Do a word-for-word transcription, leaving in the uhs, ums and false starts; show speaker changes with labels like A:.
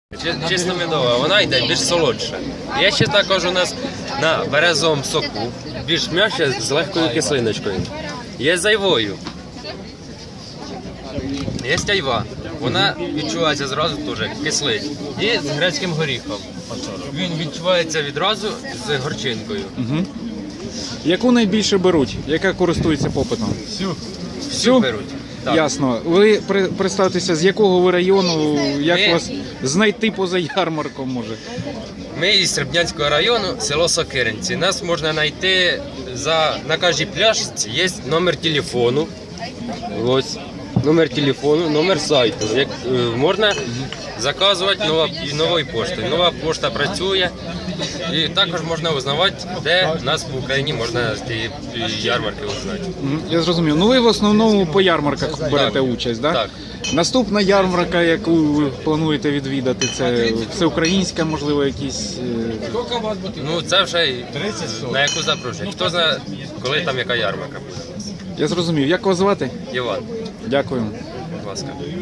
A: Чисто медова, вона йде більш солодша. Є ще також у нас на березовому соку, більш м'яке з легкою кислиночкою. Є з айвою. Є айва. Вона відчувається зразу теж кислий. І з грецьким горіхом. Він відчувається відразу з горчинкою.
B: Угу. Яку найбільше беруть? Яка користується попитом?
A: Всю.
B: Всю?
A: Всю беруть. Так.
B: Ясно. Ви при- представтеся, з якого ви району, як
A: Ми-
B: вас знайти поза ярмарком може?
A: Ми із Сербнянського району, село Сокиринці. Нас можна знайти за, на кожній пляшці є номер телефону. Ось номер телефону, номер сайту. Як, е, можна заказувати нова, і новою поштою. Нова пошта працює. І також можна узнавати, де нас в Україні можна з тієї ярмарки узнати.
B: Мгм, я зрозумів. Ну ви в основному по ярмарках берете участь, да?
A: Так.
B: Наступна ярмарка, яку ви плануєте відвідати, це всеукраїнська, можливо, якісь. е,
A: Ну це вже й на яку запрошують. Хто знає, коли там яка ярмарка буде.
B: Я зрозумів. Як вас звати?
A: Іван,
B: Дякую.
A: будь ласка.